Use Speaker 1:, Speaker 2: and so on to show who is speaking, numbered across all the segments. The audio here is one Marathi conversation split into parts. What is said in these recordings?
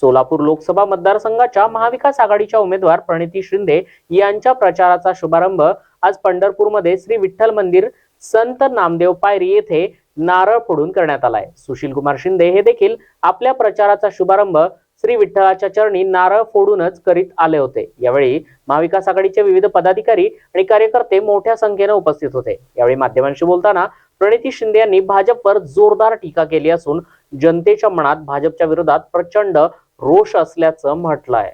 Speaker 1: सोलापूर लोकसभा मतदारसंघाच्या महाविकास आघाडीच्या उमेदवार प्रणिती शिंदे यांच्या प्रचाराचा शुभारंभ आज पंढरपूरमध्ये श्री विठ्ठल मंदिर संत नामदेव पायरी येथे नारळ फोडून करण्यात आलाय। सुशील कुमार शिंदे हे देखील आपल्या प्रचाराचा शुभारंभ श्री विठ्ठलाच्या चरणी नारळ फोडूनच करीत आले होते। यावेळी महाविकास आघाडीचे विविध पदाधिकारी आणि कार्यकर्ते मोठ्या संख्येने उपस्थित होते। यावेळी माध्यमांशी बोलताना प्रणिती शिंदे यांनी भाजपवर जोरदार टीका केली असून जनतेच्या मनात भाजपच्या विरोधात प्रचंड रोष असल्याचं म्हटलं आहे।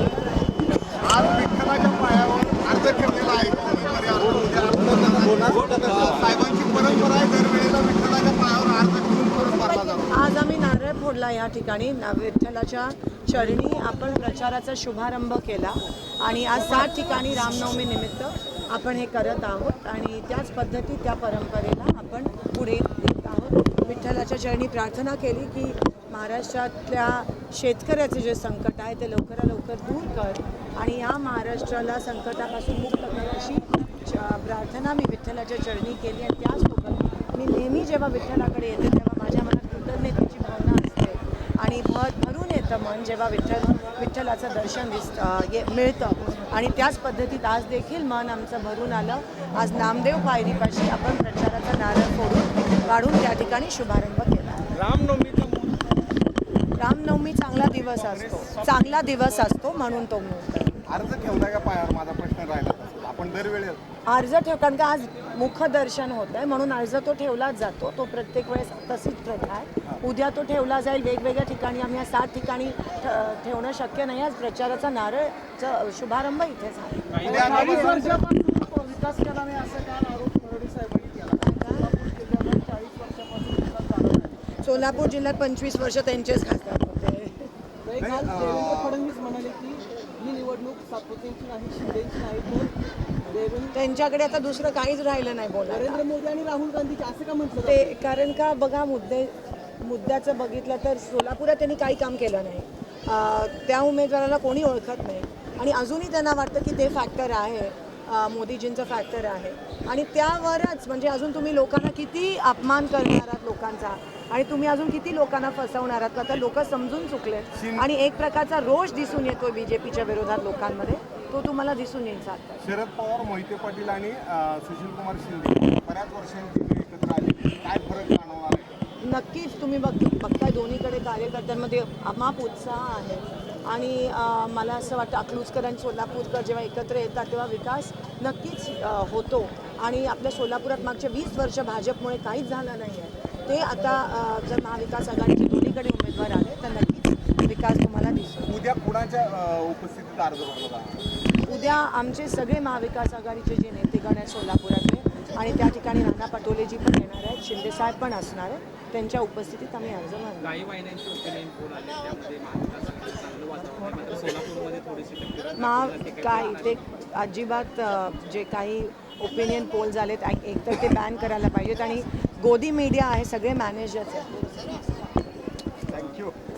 Speaker 2: आज आम्ही नारळ फोडला या ठिकाणी विठ्ठलाच्या चरणी आपण प्रचाराचा शुभारंभ केला आणि आज 7 ठिकाणी रामनवमी निमित्त आपण हे करत आहोत आणि त्याच पद्धती त्या परंपरेला आपण पुढे नेत आहोत। विठ्ठलाच्या चरणी प्रार्थना केली की महाराष्ट्रातल्या शेतकऱ्याचे जे संकट आहे ते लवकरात लवकर दूर कर आणि या महाराष्ट्राला संकटापासून मुक्त कर अशी प्रार्थना मी विठ्ठलाच्या चरणी केली। आणि त्याचसोबत मी नेहमी जेव्हा विठ्ठलाकडे येते तेव्हा माझ्या मनात कृतज्ञतेची भावना असते आणि भरून येतं मन जेव्हा विठ्ठलाचं दर्शन मिळतं आणि त्याच पद्धतीत आज देखील मन आमचं भरून आलं। आज नामदेव पायरीपाशी आपण प्रचाराचा नारळ फोडून काढून त्या ठिकाणी शुभारंभ केला। रामनवमी चांगला दिवस असतो म्हणून तो
Speaker 3: अर्ज ठेवला का पायावर माझा प्रश्न राहिला आपण दरवेळेस
Speaker 2: अर्ज ठेव कारण का आज मुखदर्शन होत आहे म्हणून अर्ज तो ठेवलाच जातो। तो प्रत्येक वेळेस तशीच प्रथा आहे। उद्या तो ठेवला जाईल वेगवेगळ्या ठिकाणी। आम्ही या 7 ठिकाणी ठेवणं शक्य नाही। आज प्रचाराचा नारळचा शुभारंभ इथे झाला।
Speaker 3: विकास केला नाही असं काय आरोप फडणवीस साहेबांनी केला।
Speaker 2: सोलापूर जिल्ह्यात 25 वर्ष त्यांचेच खासदार होते।
Speaker 4: फडणवीस म्हणाले की ही निवडणूक सातपुतेची नाही शिंदेची नाही तर
Speaker 2: त्यांच्याकडे आता दुसरं काहीच राहिलं नाही बोला।
Speaker 4: नरेंद्र मोदी आणि राहुल गांधीचे असं का म्हटलं
Speaker 2: ते कारण का बघा मुद्द्याचं बघितलं तर सोलापुरात त्यांनी काही काम केलं नाही। त्या उमेदवाराला कोणी ओळखत नाही आणि अजूनही त्यांना वाटतं की ते फॅक्टर आहे मोदीजींचं फॅक्टर आहे आणि त्यावरच म्हणजे अजून तुम्ही लोकांना किती अपमान करणार आहात लोकांचा आणि तुम्ही अजून किती लोकांना फसवणार आहात। आता लोक समजून चुकले आणि एक प्रकारचा रोष दिसून येतोय बीजेपीच्या विरोधात लोकांमध्ये तो तुम्हाला दिसून येईल।
Speaker 3: शरद पवार मोहिते पाटील आणि सुशील कुमार शिंदे बऱ्याच वर्षांपूर्वी एकत्र आले काय फरक जाणवणार आहे?
Speaker 2: नक्कीच तुम्ही बघताय दोन्हीकडे कार्यकर्त्यांमध्ये अमाप उत्साह आहे आणि मला असं वाटतं अकलूजकर आणि सोलापूरकर जेव्हा एकत्र येतात तेव्हा विकास नक्कीच होतो आणि आपल्या सोलापुरात मागच्या 20 वर्ष भाजपमुळे काहीच झालं नाही आहे। ते आता जर महाविकास आघाडीचे दोन्हीकडे उमेदवार आले तर नक्कीच विकास तुम्हाला दिसेल।
Speaker 3: उद्या कुणाच्या उपस्थितीत अर्ज भरला?
Speaker 2: उद्या आमचे सगळे महाविकास आघाडीचे जे नेतेगण आहेत सोलापुरातले आणि त्या ठिकाणी नाना पटोलेजी पण येणार आहेत, शिंदे साहेब पण असणार आहेत, त्यांच्या उपस्थितीत आम्ही अर्ज भरणार।
Speaker 5: काही महिन्यांची ओपिनियन पोल आले त्यामध्ये महाविकास आघाडी चांगलं वातावरण आहे मात्र सोलापूरमध्ये थोडीशी
Speaker 2: काय ते अजिबात जे काही ओपिनियन पोल झालेत एकतर ते बॅन करायला पाहिजेत आणि गोदी मीडिया आहे सगळे मॅनेजर्स आहेत।
Speaker 3: थँक्यू।